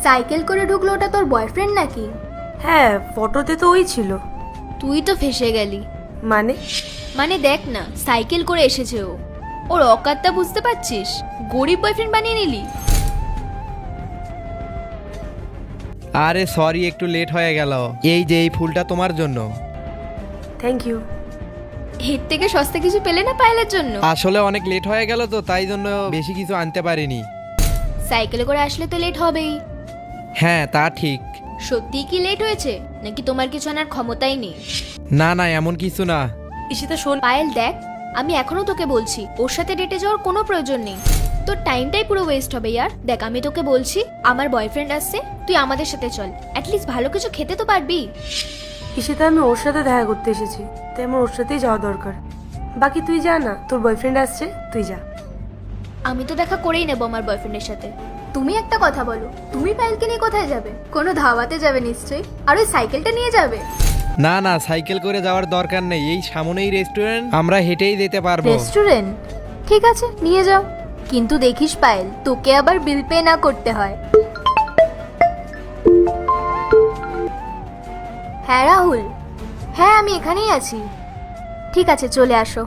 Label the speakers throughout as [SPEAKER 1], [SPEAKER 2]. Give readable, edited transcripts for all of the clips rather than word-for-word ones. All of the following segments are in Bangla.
[SPEAKER 1] সাইকেল করে ঢুকলো, ওটা তোর বয়ফ্রেন্ড নাকি?
[SPEAKER 2] হ্যাঁ, ফটোতে তো ওই ছিল।
[SPEAKER 1] তুই তো ফেসে গেলি।
[SPEAKER 2] মানে?
[SPEAKER 1] মানে দেখ না, সাইকেল করে এসেছে ও। ওর অকাতটা বুঝতে পারছিস? গরিব বয়ফ্রেন্ড বানিয়ে নিলি।
[SPEAKER 3] আরে সরি, একটু লেট হয়ে গেল। এই যে এই ফুলটা তোমার জন্য।
[SPEAKER 2] Thank you.
[SPEAKER 1] এর থেকে সস্তা কিছু পেলে না পায়েলের জন্য?
[SPEAKER 3] আসলে অনেক লেট হয়ে গেল তো, তাই জন্য বেশি কিছু আনতে পারিনি।
[SPEAKER 1] সাইকেলে করে আসলে তো লেট হবেই।
[SPEAKER 3] হ্যাঁ, তা ঠিক।
[SPEAKER 1] সত্যিই কি লেট হয়েছে, নাকি তোমার কিছু আনার ক্ষমতাই নেই?
[SPEAKER 3] না না, এমন কিছু না।
[SPEAKER 2] ঈশিতা শোন।
[SPEAKER 1] পায়েল দেখ, আমি এখনো তোকে বলছি ওর সাথে ডেটে যাওয়ার কোনো প্রয়োজন নেই। তোর টাইমটাই পুরো ওয়েস্ট হবে ইয়ার। দেখ, আমি তোকে বলছি আমার বয়ফ্রেন্ড আসছে, তুই আমাদের সাথে চল। অ্যাটলিস্ট ভালো কিছু খেতে তো পারবি।
[SPEAKER 2] ঈশিতা, আমি ওর সাথে দেখা করতে এসেছি, তাই আমার ওর সাথেই যাওয়া দরকার। বাকি তুই যা না, তোর বয়ফ্রেন্ড আসছে, তুই যা।
[SPEAKER 1] আমি তো দেখা করেই নেবো আমার বয়ফ্রেন্ডের সাথে। তুমি একটা কথা বলো, তুমি পায়েলকে নিয়ে কোথায় যাবে? কোনো ধাওয়াতে যাবে নিশ্চয়ই। আর ওই সাইকেলটা নিয়ে যাবে?
[SPEAKER 3] না না, সাইকেল করে যাওয়ার দরকার নেই। এই সামনেই রেস্টুরেন্ট, আমরা হেঁটেই যেতে পারবো।
[SPEAKER 1] রেস্টুরেন্ট? ঠিক আছে, নিয়ে যাও। কিন্তু দেখিস পায়েল, তোকে আবার বিল পে না করতে হয়। হ্যাঁ রাহুল, হ্যাঁ আমি এখানেই আছি। ঠিক আছে, চলে আসো।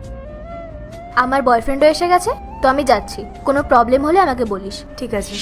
[SPEAKER 1] আমার বয়ফ্রেন্ডও এসে গেছে, তো আমি যাচ্ছি। কোনো প্রবলেম হলে আমাকে বলিস।
[SPEAKER 2] ঠিক আছে।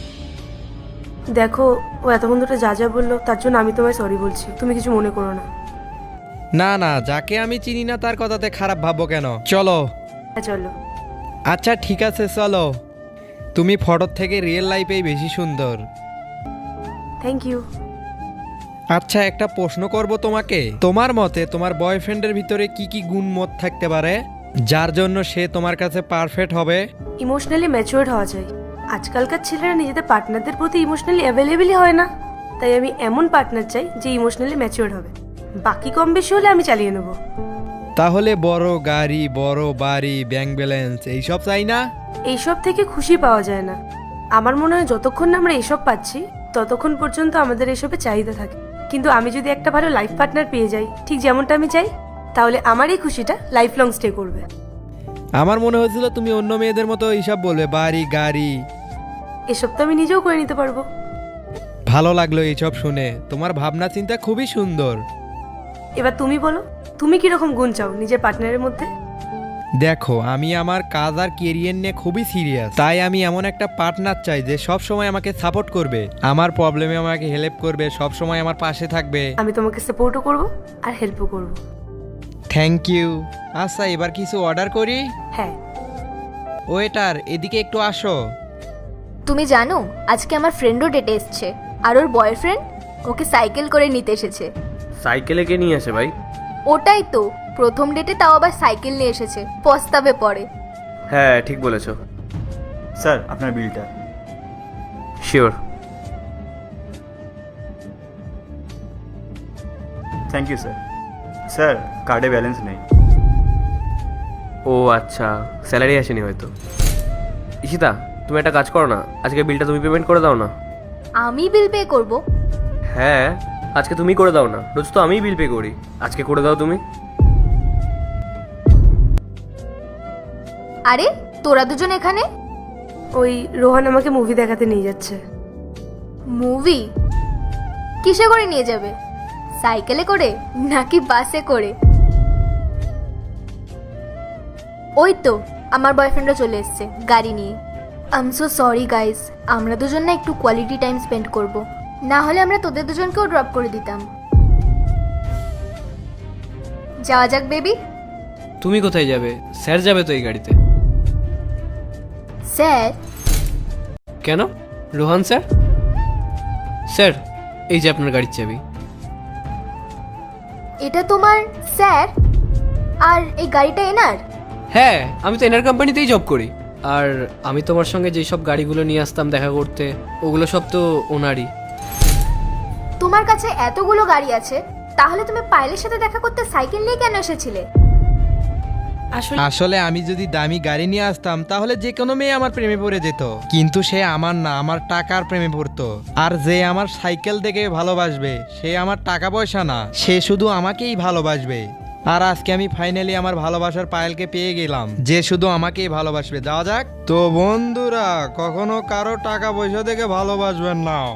[SPEAKER 2] দেখো, ও এতক্ষণ ধরে যা যা বললো তার জন্য আমি তোমায় সরি বলছি, তুমি কিছু মনে করো না।
[SPEAKER 3] না না, যাকে আমি চিনি না তার কথাতে খারাপ ভাববো কেন? চলো।
[SPEAKER 2] হ্যাঁ চলো।
[SPEAKER 3] আচ্ছা ঠিক আছে, চলো। তুমি ফটোর থেকে রিয়েল লাইফেই বেশি সুন্দর।
[SPEAKER 2] Thank you.
[SPEAKER 3] আচ্ছা, একটা প্রশ্ন করব তোমাকে। তোমার মতে তোমার বয়ফ্রেন্ডের ভিতরে কি কি গুণ মত থাকতে পারে যার জন্য সে তোমার কাছে পারফেক্ট হবে?
[SPEAKER 2] ইমোশনালি ম্যাচিওর্ড হওয়া চাই। আজকালকার ছেলেরা নিজেদের পার্টনারদের প্রতি ইমোশনালি অ্যাভেলেবেলই হয় না, তাই আমি এমন পার্টনার চাই যে ইমোশনালি ম্যাচিওর্ড হবে। বাকি কম বেশি হলে আমি চালিয়ে নেব।
[SPEAKER 3] তাহলে বড় গাড়ি, বড় বাড়ি, ব্যাংক ব্যালেন্স এইসব চাই না?
[SPEAKER 2] এইসব থেকে খুশি পাওয়া যায় না। আমার মনে হয় যতক্ষণ না আমরা এসব পাচ্ছি ততক্ষণ পর্যন্ত আমাদের এসবে চাহিদা থাকে। কিন্তু আমি যদি একটা ভালো লাইফ পার্টনার পেয়ে যাই, ঠিক যেমনটা আমি চাই, তাহলে আমার এই খুশিটা লাইফ লং স্টে করবে।
[SPEAKER 3] আমার মনে হয়েছিল তুমি অন্য মেয়েদের মতো এইসব বলবে, বাড়ি গাড়ি।
[SPEAKER 2] এসব তো আমি নিজেও করে নিতে পারবো।
[SPEAKER 3] ভালো লাগলো এইসব শুনে। তোমার ভাবনা চিন্তা খুবই সুন্দর।
[SPEAKER 2] এবার তুমি বলো, তুমি কিরকম গুণ চাও নিজের পার্টনারের মধ্যে?
[SPEAKER 3] দেখো, আমি আমার কাজ আর কেরিয়ার নিয়ে খুবই সিরিয়াস, তাই আমি এমন একটা পার্টনার চাই যে সব সময় আমাকে সাপোর্ট করবে, আমার প্রবলেমে আমাকে হেল্প করবে, সব সময় আমার পাশে থাকবে।
[SPEAKER 2] আমি তোমাকে সাপোর্টও করবো আর হেল্পও করবো।
[SPEAKER 3] Thank you. আচ্ছা, এবার কিছু অর্ডার করি।
[SPEAKER 2] হ্যাঁ।
[SPEAKER 3] ওয়েটার, এদিকে একটু আসো।
[SPEAKER 1] তুমি জানো আজকে আমার ফ্রেন্ডও ডেটে এসছে, আর ওর বয়ফ্রেন্ড ওকে সাইকেল করে নিতে এসেছে।
[SPEAKER 4] সাইকেলে কে নিয়ে আসে ভাই?
[SPEAKER 1] ওটাই তো, প্রথম ডেটে তাও আবার সাইকেল নিয়ে এসেছে, পস্তাবে পরে।
[SPEAKER 4] হ্যাঁ ঠিক বলেছো।
[SPEAKER 5] স্যার আপনার বিলটা।
[SPEAKER 4] Sure.
[SPEAKER 5] Thank you sir. Sir কার্ডে ব্যালেন্স নেই।
[SPEAKER 4] ও আচ্ছা, স্যালারি আসেনি হয়তো। ঈশিতা, তুমি একটা কাজ করো না, আজকে বিলটা তুমি পেমেন্ট করে দাও না।
[SPEAKER 1] আমি বিল পে করব?
[SPEAKER 4] হ্যাঁ, আজকে তুমি করে দাও না, রোজ তো আমিই বিল পে করি, আজকে করে দাও তুমি।
[SPEAKER 1] আরে তোরা দুজন এখানে?
[SPEAKER 2] ওই রোহান আমাকে মুভি দেখাতে নিয়ে যাচ্ছে।
[SPEAKER 1] মুভি? কিসে করে নিয়ে যাবে? সাইকেলে করে নাকি বাসে করে? ওই তো আমার বয়ফ্রেন্ডও চলে এসেছে গাড়ি নিয়ে। I am so sorry guys, আমরা দুজন না একটু কোয়ালিটি টাইম স্পেন্ড করব, না হলে আমরা তোদের দুজনকেও ড্রপ করে দিতাম। যাওয়া যাক বেবি।
[SPEAKER 6] তুমি কোথায় যাবে? স্যার যাবে তো এই গাড়িতে।
[SPEAKER 1] স্যার?
[SPEAKER 6] কেন? রোহান স্যার? স্যার, এই যে আপনার গাড়ির চাবি।
[SPEAKER 1] এটা তোমার স্যার? আর এই গাড়িটা এনার?
[SPEAKER 6] হ্যাঁ, আমি তো এনার কোম্পানিতেই জব করি। আর আমি তোমার সঙ্গে যেই সব গাড়িগুলো নিয়ে আসতাম দেখা করতে, ওগুলো সব তো ওনারই।
[SPEAKER 1] তোমার কাছে এতগুলো গাড়ি আছে, তাহলে তুমি পায়েলের সাথে দেখা করতে সাইকেল নিয়ে কেন এসেছিলে?
[SPEAKER 3] আসলে আমি যদি দামি গাড়ি নিয়ে আসতাম তাহলে যে কোনো মেয়ে আমার প্রেমে পড়ে যেত, কিন্তু সে আমার না, আমার টাকার প্রেমে পড়তো। আর যে আমার সাইকেল দেখে ভালোবাসবে সে আমার টাকা পয়সা না, সে শুধু আমাকেই ভালোবাসবে। আর আজকে আমি ফাইনালি আমার ভালোবাসার পায়েলকে পেয়ে গেলাম, যে শুধু আমাকেই ভালোবাসবে। যাওয়া যাক। তো বন্ধুরা, কখনো কারো টাকা পয়সা দেখে ভালোবাসবেন না।